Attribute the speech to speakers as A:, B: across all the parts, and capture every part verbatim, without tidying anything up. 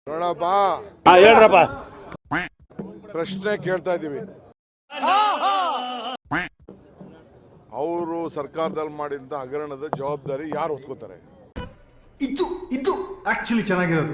A: ನೋಡಪ್ಪ
B: ಹೇಳ್ರಪ್ಪ
A: ಪ್ರಶ್ನೆ ಕೇಳ್ತಾ ಇದೀವಿ. ಅವರು ಸರ್ಕಾರದಲ್ಲಿ ಮಾಡಿದ ಹಗರಣದ ಜವಾಬ್ದಾರಿ ಯಾರು ಹೊತ್ಕೋತಾರೆ?
C: ಇದು ಇದು ಆಕ್ಚುಲಿ ಚೆನ್ನಾಗಿರೋದು.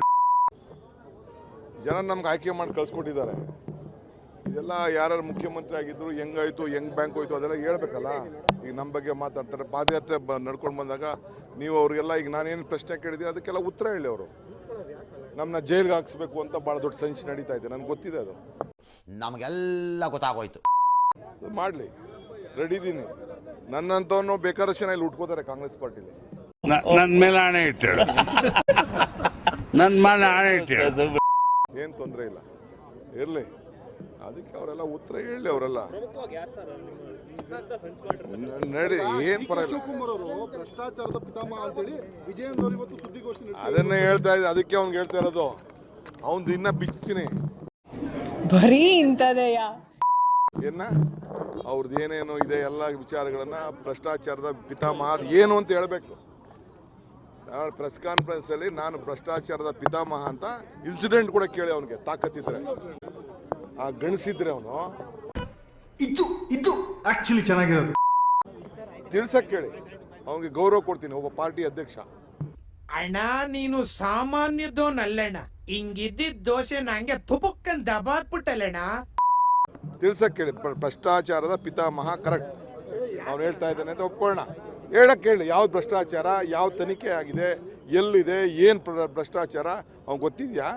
A: ಜನ ನಮ್ಗೆ ಆಯ್ಕೆ ಮಾಡಿ ಕಳ್ಸಿಕೊಟ್ಟಿದ್ದಾರೆ. ಇದೆಲ್ಲ ಯಾರು ಮುಖ್ಯಮಂತ್ರಿ ಆಗಿದ್ರು, ಹೆಂಗಾಯ್ತು, ಹೆಂಗ್ ಬ್ಯಾಂಕ್ ಹೋಯ್ತು ಅದೆಲ್ಲ ಹೇಳ್ಬೇಕಲ್ಲ. ಈಗ ನಮ್ಮ ಬಗ್ಗೆ ಮಾತಾಡ್ತಾರೆ. ಪಾದಯಾತ್ರೆ ಬ ನಡ್ಕೊಂಡು ಬಂದಾಗ ನೀವು ಅವ್ರಿಗೆಲ್ಲ ಈಗ ನಾನೇನು ಪ್ರಶ್ನೆ ಕೇಳಿದ್ದೀನಿ ಅದಕ್ಕೆಲ್ಲ ಉತ್ತರ ಹೇಳಿ. ಅವರು ನಮ್ಮನ್ನ ಜೈಲ್ಗೆ ಹಾಕ್ಸ್ಬೇಕು ಅಂತ ಭಾಳ ದೊಡ್ಡ ಸಂಚು ನಡೀತಾ ಇದೆ. ನನಗೆ ಗೊತ್ತಿದೆ ಅದು.
B: ನಮಗೆಲ್ಲ ಗೊತ್ತಾಗೋಯ್ತು.
A: ಅದು ಮಾಡಲಿ, ರೆಡಿ ಇದ್ದೀನಿ. ನನ್ನಂತವನು ಬೇಕಾದಷ್ಟು ಜನ ಇಲ್ಲಿ ಉಟ್ಕೋತಾರೆ ಕಾಂಗ್ರೆಸ್ ಪಾರ್ಟಿಲಿ.
D: ನನ್ನ ಮೇಲೆ ಹಣೆ ಇಟ್ಟೇಳು, ನನ್ನ ಮೇಲೆ ಹಣೆ ಇಟ್ಟೇಳು.
A: ಏನು ತೊಂದರೆ ಇಲ್ಲ, ಇರಲಿ. ಅದಕ್ಕೆ ಅವರೆಲ್ಲ ಉತ್ತರ ಹೇಳಿ. ಅವರೆಲ್ಲ ನಡಿ, ಏನು ಪರವಾಗಿಲ್ಲ.
E: ಭ್ರಷ್ಟಾಚಾರದ ಪಿತಾಮಹ ಅಂತೇಳಿ ವಿಜಯೇಂದ್ರ ಅವರು ಇವತ್ತು ಸುದ್ದಿಗೋಷ್ಠಿ
A: ಅದನ್ನೇ ಹೇಳ್ತಾ ಇದ್ದೆ. ಅದಕ್ಕೆ ಅವ್ನಿಗೆ ಹೇಳ್ತಾ ಇರೋದು, ಅವ್ನು ಇನ್ನ ಬಿಚ್ಚಿನಿ
F: ಬರೀ ಇಂಥದೆಯ
A: ಏನ ಅವ್ರದ್ದು ಏನೇನು ಇದೆ ಎಲ್ಲ ವಿಚಾರಗಳನ್ನ ಭ್ರಷ್ಟಾಚಾರದ ಪಿತಾಮಹ ಅದು ಏನು ಅಂತ ಹೇಳ್ಬೇಕು. ಪ್ರೆಸ್ ಕಾನ್ಫರೆನ್ಸ್ ಅಲ್ಲಿ ನಾನು ಭ್ರಷ್ಟಾಚಾರದ ಪಿತಾಮಹ ಅಂತ ಇನ್ಸಿಡೆಂಟ್ ಕೂಡ ಕೇಳಿ ಅವನಿಗೆ ತಾಕತ್ತಿದ್ರೆ, ಆ ಗಣಿಸಿದ್ರೆ ಅವನು
C: ಇದು ಇದು ಆಕ್ಚುಲಿ ಚೆನ್ನಾಗಿರೋದು.
A: ತಿಳ್ಸಕ್ ಕೇಳಿ, ಅವನಿಗೆ ಗೌರವ ಕೊಡ್ತೀನಿ ಒಬ್ಬ ಪಾರ್ಟಿ ಅಧ್ಯಕ್ಷ.
G: ಅಣ್ಣ ನೀನು ಸಾಮಾನ್ಯದೋನಲ್ಲಣ್ಣ, ಹಿಂಗಿದ್ದಿದ್ದ ದೋಸೆ ನಂಗೆ ತುಪಕ್ಕನ್ ದಬಾಕ್ಬಿಟ್ಟಲ್ಲಣ್ಣ.
A: ತಿಳ್ಸಕ್ ಕೇಳಿ, ಭ್ರಷ್ಟಾಚಾರದ ಪಿತಾಮಹ ಕರೆಕ್ಟ್ ಅವ್ನು ಹೇಳ್ತಾ ಇದ್ದಾನೆ ಅಂತ ಒಪ್ಕೊಳ್ಳೋಣ. ಹೇಳಕ್ ಕೇಳಿ, ಯಾವ್ದು ಭ್ರಷ್ಟಾಚಾರ, ಯಾವ ತನಿಖೆ ಆಗಿದೆ, ಎಲ್ಲಿದೆ, ಏನ್ ಭ್ರಷ್ಟಾಚಾರ ಅವ್ನು ಗೊತ್ತಿದ್ಯಾ?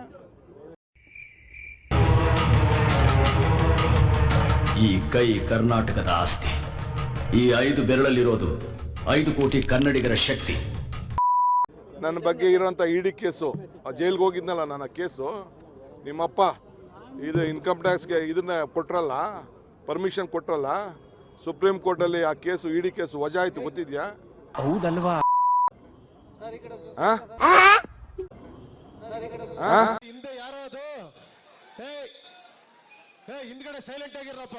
H: ಈ ಕೈ ಕರ್ನಾಟಕದ ಆಸ್ತಿ. ಈ ಐದು ಬೆರಳಲ್ಲಿರೋದು ಐದು ಕೋಟಿ ಕನ್ನಡಿಗರ ಶಕ್ತಿ.
A: ನನ್ನ ಬಗ್ಗೆ ಇರೋಂಥ ಇಡಿ ಕೇಸು, ಜೈಲ್ಗೆ ಹೋಗಿದ್ನಲ್ಲ ನನ್ನ ಕೇಸು, ನಿಮ್ಮಪ್ಪ ಇದು ಇನ್ಕಮ್ ಟ್ಯಾಕ್ಸ್ಗೆ ಇದನ್ನ ಕೊಟ್ರಲ್ಲ, ಪರ್ಮಿಷನ್ ಕೊಟ್ರಲ್ಲ, ಸುಪ್ರೀಂ ಕೋರ್ಟಲ್ಲಿ ಆ ಕೇಸು ಇಡಿ ಕೇಸು ವಜಾ ಆಯ್ತು. ಗೊತ್ತಿದ್ಯಾ?
H: ಹೌದಲ್ವಾ?
E: ಹಿಂದೆ ಯಾರೋ ಅದು ಹಿಂದ್ಗಡೆ ಸೈಲೆಂಟ್ ಆಗಿರಪ್ಪ.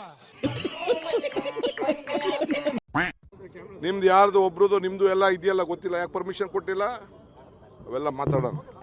A: ನಿಮ್ದು ಯಾರ್ದು ಒಬ್ರದ್ದು ನಿಮ್ದು ಎಲ್ಲ ಇದೆಯಲ್ಲ ಗೊತ್ತಿಲ್ಲ, ಯಾಕೆ ಪರ್ಮಿಷನ್ ಕೊಟ್ಟಿಲ್ಲ, ಅವೆಲ್ಲ ಮಾತಾಡೋಣ.